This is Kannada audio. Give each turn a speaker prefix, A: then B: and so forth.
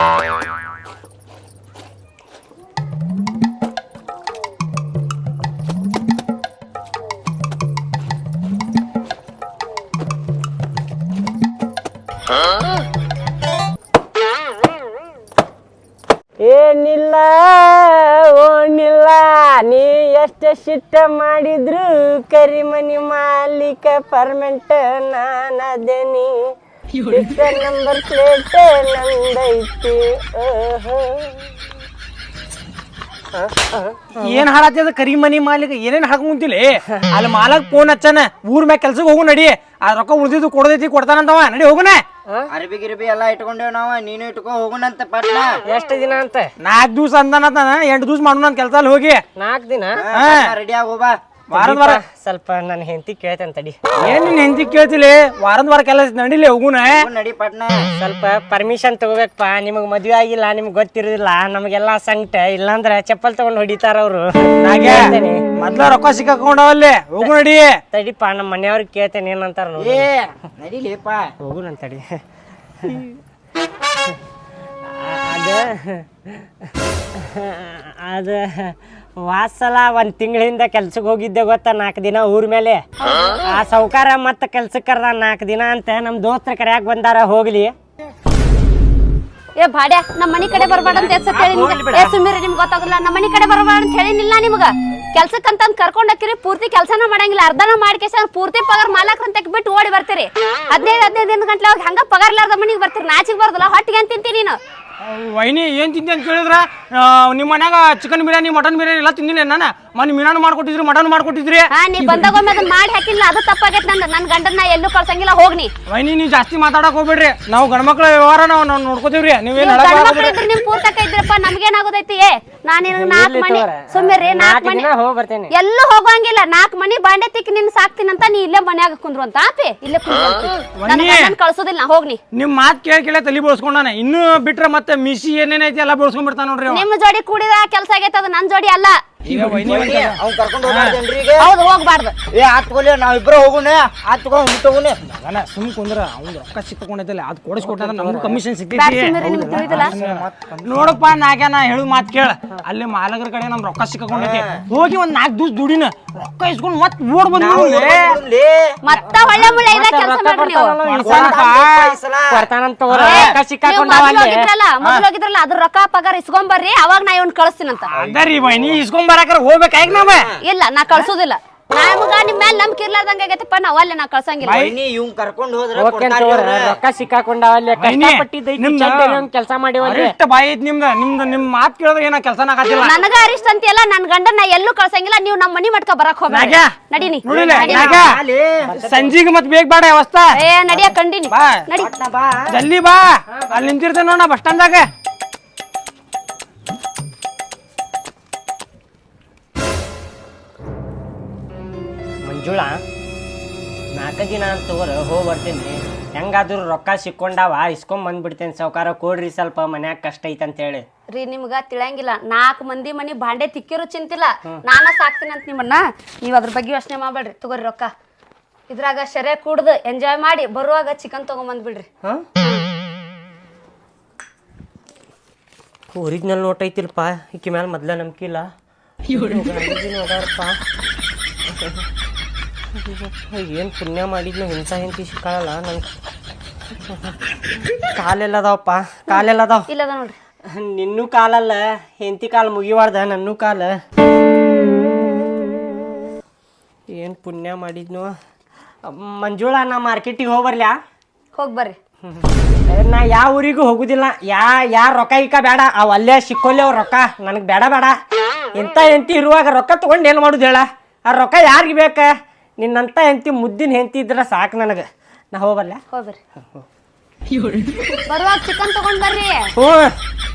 A: ಏನಿಲ್ಲ ಓನಿಲ್ಲ ನೀ ಎಷ್ಟು ಶಿಟ್ಟ ಮಾಡಿದ್ರು ಕರಿಮನಿ ಮಾಲೀಕ ಪರ್ಮೆಂಟ್ ನಾನದೇನಿ ನಂಬರ್ ಪ್ಲೇಟ್ ನಂದೈತಿ.
B: ಏನ್ ಹಾಳಾಗ್ತದ ಕರಿಮನಿ ಮಾಲೀಕ ಏನೇನ್ ಹಾಕೊಂತಿಲಿ ಅಲ್ಲಿ ಮಾಲಕ್ ಫೋನ್ ಹಚ್ಚನ ಊರ್ ಮ್ಯಾಗ ಕೆಲ್ಸಕ್ಕೆ ಹೋಗು ನಡಿ ಆ ರೊಕ್ಕ ಉಳ್ದಿದ್ದು ಕೊಡದೈತಿ ಕೊಡ್ತಾನಂತವ ನಡಿ ಹೋಗುನ.
C: ಅರ್ಬಿ ಗಿರ್ಬಿ ಎಲ್ಲಾ ಇಟ್ಕೊಂಡೇವ್ ನಾವ ನೀನು ಇಟ್ಕೊ ಹೋಗುಣಂತ ಪಟ್ನ.
A: ಎಷ್ಟು ದಿನ ಅಂತ?
B: 4 ದಿವಸ ಅಂದಾನ 8 ದಿವಸ ಮಾಡೋಣ ಕೆಲ್ಸ ಅಲ್ಲಿ ಹೋಗಿ
A: 4 ದಿನ
C: ರೆಡಿ ಆಗೋಬಾ.
B: ವಾರ
A: ಸ್ವಲ್ಪ ನನ್ನ ಹೆಂಡತಿ ಕೇಳ್ತೇನೆ ತಡಿ.
B: ಏನ್ ನಿನ್ ಹೆಂಡತಿ ಕೇಳ್ತಿಲಿ ವಾರ ಕೆಲಸ ನಡಿಲಿ ಹೋಗುನ
C: ನಡಿ ಪಟ್ನ.
A: ಸ್ವಲ್ಪ ಪರ್ಮಿಷನ್ ತಗೋಬೇಕಪ್ಪ. ನಿಮಗ್ ಮದ್ವೆ ಆಗಿಲ್ಲ ನಿಮ್ಗೆ ಗೊತ್ತಿರೋದಿಲ್ಲ ನಮಗೆಲ್ಲಾ ಸಂಕಟ. ಇಲ್ಲಾಂದ್ರ ಚಪ್ಪಲ್ ತಗೊಂಡ್ ಹೊಡಿತಾರ ಅವ್ರು.
B: ಮೊದ್ಲ ರೊಕ್ಕ ಸಿಕ್ಕಾಕೊಂಡವಲ್ಲಿ ಹೋಗು ನಡಿ.
A: ತಡಿಪ್ಪ ನಮ್ಮ ಮನೆಯವ್ರಿಗೆ ಕೇಳ್ತೇನೆ ಏನಂತಾರ ನೋಡಿ.
C: ನಡಿಲೇಪ
A: ಹೋಗು ನನ್ ತಡಿ. ಅದ ವಾಸಲ 1 ತಿಂಗಳಿಂದ ಕೆಲ್ಸಕ್ಕೆ ಹೋಗಿದ್ದೆ ಗೊತ್ತಾ, 4 ದಿನ ಊರ್ ಮೇಲೆ. ಆ ಸೌಕಾರ ಮತ್ತ ಕೆಲ್ಸಕ್ಕೆ ಕರ್ದ 4 ದಿನ ಅಂತ ನಮ್ ದೋಸ್ತರ ಕರ್ಯಾಕ್ ಬಂದಾರ. ಹೋಗ್ಲಿ
D: ಏ ಬಾಡ್ಯ ನಮ್ಮ ಮನಿ ಕಡೆ ಬರ್ಬೇಡ ಅಂತ ಎಷ್ಟ್ ಹೇಳಿ ಸುಮ್ಮಿರಿ. ನಿಮ್ಗೆ ಗೊತ್ತಾಗಲ್ಲ ನಮ್ಮ ಮನಿ ಕಡೆ ಬರ್ಬೇಡ ಅಂತ ಹೇಳಿನಿಲ್ಲ ನಿಮ್ಗ. ಕೆಲ್ಸಕ್ಕಂತ ಕರ್ಕೊಂಡ್ ಹಾಕಿರಿ ಪೂರ್ತಿ ಕೆಲ್ಸನ ಮಾಡಂಗಿಲ್ಲ. ಅರ್ಧನ ಮಾಡ್ಕೇಶ ಪೂರ್ತಿ ಪಗಾರ ಮಾಲಕ್ರಂತ ಬಿಟ್ಟು ಓಡಿ ಬರ್ತೀರಿ. 15 ಗಂಟೆ ಹೋಗಿ ಹಂಗ ಪಗಾರ ಇಲ್ಲಾರ್ದ ಮನಿಗೆ ಬರ್ತೀರಿ. ನಾಚಿಗೆ ಬರ್ದಲ್ಲ ಹೊಟ್ಟಿಗೆ ಅಂತ ತಿಂತೀನಿ ನೀನು.
B: ವೈನಿ ಏನ್ ತಿಂತಿ ಅಂತ ಕೇಳಿದ್ರ ನಿಮ್ಮ ಮನ್ಯಾಗ ಚಿಕನ್ ಬಿರಿಯಾನಿ ಮಟನ್ ಬಿರಿಯಾನಿ ಎಲ್ಲ ತಿಂದಿಲ್ಲ ನಾನು. ಮನೆ ಮೀನಾನು ಮಾಡ್ಕೊಟ್ಟಿದ್ರಿ ಮಟನ್ ಮಾಡ್ಕೊಟ್ಟಿದ್ರಿ.
D: ನೀ ಬಂದಾಗೊಮ್ಮೆ ಅದನ್ನ ಮಾಡಿ ಹಾಕಿಲ್ಲ ಅದು ತಪ್ಪಾಗೈತೆ. ನನ್ ಗಂಡನ್ನ ಎಲ್ಲೂ ಕಳ್ಸಂಗಿಲ್ಲ ಹೋಗ್ನಿ.
B: ವೈನಿ ನೀವ್ ಜಾಸ್ತಿ ಮಾತಾಡಕ್ ಹೋಗ್ಬೇಡ್ರಿ. ನಾವು ಗಂಡ್ಮಕ್ಳ ವ್ಯವಹಾರ ನಾವು ನೋಡ್ಕೋತೀವ್ರಿ. ನೀವೇನ್
D: ನಿಮ್ ಪೂರ್ತಕ ಇದ್ರಪ್ಪ ನಮ್ಗೇನಾಗೋದೈತಿ. ನಾನು 4 ಮನಿ ಸುಮ್ಮಿರಿ 4 ಮನಿ ಎಲ್ಲೂ ಹೋಗಂಗಿಲ್ಲ. 4 ಮನಿ ಬಾಂಡೆ ತಿಕ್ಕಿ ನಿನ್ ಸಾಕ್ತೀನಂತ ನೀ ಇಲ್ಲೇ ಮನ್ಯಾಗ ಕುಂದ್ರು ಅಂತ ಆಪಿ ಇಲ್ಲೇ ಕುಂದ್ರು ಕಳ್ಸೋದಿಲ್ಲ. ನಾ ಹೋಗ್ನಿ.
B: ನಿಮ್ ಮಾತ್ ಕೇಳಿ ತಲಿ ಬೋಳ್ಸ್ಕೊಂಡಾನ. ಇನ್ನು ಬಿಟ್ರೆ ಮತ್ತೆ ಮಿಸಿ ಏನೇನೈತಿ ಎಲ್ಲ ಬೋಳ್ಸ್ಕೊಂಡ್ ಬಿಡ್ತಾನ ನೋಡ್ರಿ.
D: ನಿಮ್ ಜೋಡಿ ಕೂಡಿದ ಕೆಲ್ಸ ಆಗೈತೆ ಅದು ನನ್ ಜೋಡಿ ಅಲ್ಲ.
C: ಅವ್ನ್ ಕರ್ಕೊಂಡು ಹೋಗ್ಬಾರ್ದೇನ್ರಿ ಈಗ?
D: ಹೌದು ಹೋಗ್ಬಾರ್ದು.
C: ಆತ್ಕೊಲಿ ನಾವಿಬ್ರು ಹೋಗುಣ. ಆತ್ಕೊಂಡ್ ಮುಟ್ಟೋಗುಣ.
B: ಮಗನ ಸುಮ್ ಕುಂದ್ರ ಅವ್ನು ರೊಕ್ಕ ಸಿಕ್ಕೊಂಡೈತಲ್ಲ ಅದು ಕೊಡಿಸ್ಕೊಟ್ಟ ನಮ್ಗೂ ಕಮಿಷನ್ ಸಿಗ್ತೈತಿ. ನೋಡಪ್ಪ ನಾ ಹೇಳು ಮಾತ್ ಕೇಳ. ಅಲ್ಲಿ ಮಾಲಕರ ಕಡೆ ನಮ್ ರೊಕ್ಕ ಸಿಕ್ಕೊಂಡೈತಿ. ಹೋಗಿ 4 ದಿವಸ ದುಡಿನ ರೊಕ್ಕ ಇಸ್ಕೊಂಡ್ ಮತ್ ಓಡ್ ಬಂದ್
D: ಮತ್ತ ಒಳ್ಳೆ ಮುಳ್ಳೆ ಇದ ಕೆಲಸ ಮಾಡ್ರಿ ನೀವು. ಮೊದಲು ಹೋಗಿದ್ರಲ್ಲ ಅದ್ರ ರೊಕ್ಕ ಪಗಾರ ಇಸ್ಕೊಂಡ್ ಬರ್ರಿ. ಅವಾಗ ನಾ ಇವ್ನ ಕಳಿಸ್ತೀನಂತ.
B: ಅದರಿ ಬೈನಿ ಇಸ್ಕೊಂಡ್ ಬರಾಕರ ಹೋಗ್ಬೇಕಾಗಿ ನಾವ.
D: ಇಲ್ಲ ನಾ ಕಳ್ಸೋದಿಲ್ಲ. ನಮಗ ನಿಮ್ ಮೇಲೆ ನಂಬಿಕೆ ಇರ್ಲಾರ್ದಂಗ ಆಗೈತಪ್ಪ. ನಾವ್ ಅಲ್ಲೇ ನಾ ಕಳ್ಸಂಗಿಲ್ಲ.
C: ಇವ್ನ್ ಕರ್ಕೊಂಡ್ ಹೋದ್ರ
A: ರೊಕ್ಕ ಸಿಕ್ಕಾಕೊಂಡವಲ್ಲಿ ಕೆಲಸ ಮಾಡಿವಲ್ರಿ.
B: ಬಾಯಿ ಐತಿ ನಿಮ್ ಮಾತ್ ಕೇಳಿದ್ರೆ ಏನ ಕೆಲಸನ ಆಗತ್ತಿಲ್ಲ.
D: ನನಗ ಅರಿಷ್ಟ ಅಂತಿಯಲ್ಲ ನನ್ ಗಂಡನ್ನ ಎಲ್ಲೂ ಕಳ್ಸಂಗಿಲ್ಲ. ನೀವು ನಮ್ಮ ಮನಿ ಮಟ್ಕ ಬರಕ್ ಹೋಗ್ಬೇಡ. ನಡೀನಿ
B: ಸಂಜಿಗೆ ಮತ್ ಬೇಗ ಬೇಡ ಅವಸ್ಥಾ.
D: ನಡಿಯ ಕಂಡಿನಿ ನಡಿ
B: ಜಲ್ದಿ ಬಾ. ಅಲ್ಲಿ ನಿಂತಿರ್ತೇನೆ ನೋಡ ಬಸ್ ಸ್ಟ್ಯಾಂಡ್ ದಾಗ.
A: ಮಂಜುಳಾ 4 ದಿನ ಅಂತ ತಗೋರ ಹೋಗಿ ಬರ್ತೀನಿ. ಹೆಂಗಾದ್ರು ರೊಕ್ಕ ಸಿಕ್ಕೊಂಡಾವ ಇಸ್ಕೊಂಡ್ ಬಂದ್ಬಿಡ್ತೇನೆ. ಸಾವ್ಕಾರ ಕೊಡ್ರಿ ಸ್ವಲ್ಪ ಮನ್ಯಾಗ ಕಷ್ಟ ಐತೆ ಅಂತ ಹೇಳಿ.
D: ರೀ ನಿಮ್ಗ ತಿಳಂಗಿಲ್ಲ. 4 ಮಂದಿ ಮನಿ ಬಾಂಡೆ ತಿಕ್ಕಿರು ಚಿಂತಿಲ್ಲ. ನಾನ ಸಾಕ್ತೀನಿ ಅಂತ ನಿಮ್ಮನ್ನ. ನೀವ್ ಅದ್ರ ಬಗ್ಗೆ ಯೋಚನೆ ಮಾಡ್ಬೇಡ್ರಿ. ತಗೋರಿ ರೊಕ್ಕ. ಇದ್ರಾಗ ಶರೆ ಕುಡ್ದು ಎಂಜಾಯ್ ಮಾಡಿ ಬರುವಾಗ ಚಿಕನ್ ತಗೊಂಬಂದ್ಬಿಡ್ರಿ.
A: ಒರಿಜಿನಲ್ ನೋಟ್ ಐತಿಲ್ಪ. ಈಕಿ ಮ್ಯಾಲ ಮೊದ್ಲ ನಂಬಿಕೆ ಇಲ್ಲ. ಏನು ಪುಣ್ಯ ಮಾಡಿದ್ನು ಇಂಥ ಹೆಂಡತಿ ಸಿಕ್ಕಾಳಲ್ಲ ನಂಗೆ. ಕಾಲೆಲ್ಲ ಅದಾವಪ್ಪ ಕಾಲೆಲ್ಲ ಅದಾವ.
D: ಇಲ್ಲ ನೋಡ್ರಿ
A: ನಿನ್ನೂ ಕಾಲಲ್ಲ ಹೆಂಡತಿ ಕಾಲು ಮುಗಿವಾರ್ದ ನನ್ನೂ ಕಾಲ. ಏನು ಪುಣ್ಯ ಮಾಡಿದ್ನು. ಮಂಜುಳಾ ನಾ ಮಾರ್ಕೆಟಿಗೆ ಹೋಗ್ಬರ್ಲ್ಯಾ?
D: ಹೋಗ್ಬರ್ರಿ.
A: ನಾ ಯಾವ ಊರಿಗೂ ಹೋಗುದಿಲ್ಲ. ಯಾರ ರೊಕ್ಕ ಈಕ ಬೇಡ. ಅವು ಅಲ್ಲೇ ಸಿಕ್ಕೊಲ್ಲಿ ಅವ್ರ ರೊಕ್ಕ ನನಗೆ ಬೇಡ ಬೇಡ. ಇಂಥ ಹೆಂಡತಿ ಇರುವಾಗ ರೊಕ್ಕ ತೊಗೊಂಡು ಏನು ಮಾಡುದು ಹೇಳ? ಆ ರೊಕ್ಕ ಯಾರಿಗೆ ಬೇಕ? ನಿನ್ನಂತ ಹೆಂಡತಿ ಮುದ್ದಿನ ಹೆಂಡತಿ ಇದ್ರೆ ಸಾಕು ನನಗೆ. ನಾ ಹೋಗ್ಬರ್ಲ?
D: ಹೋಗ್ಬರ್ರಿ. ಬರುವಾಗ ಚಿಕನ್ ತಗೊಂಡ್ ಬರ್ರಿ.
A: ಹ್ಞೂ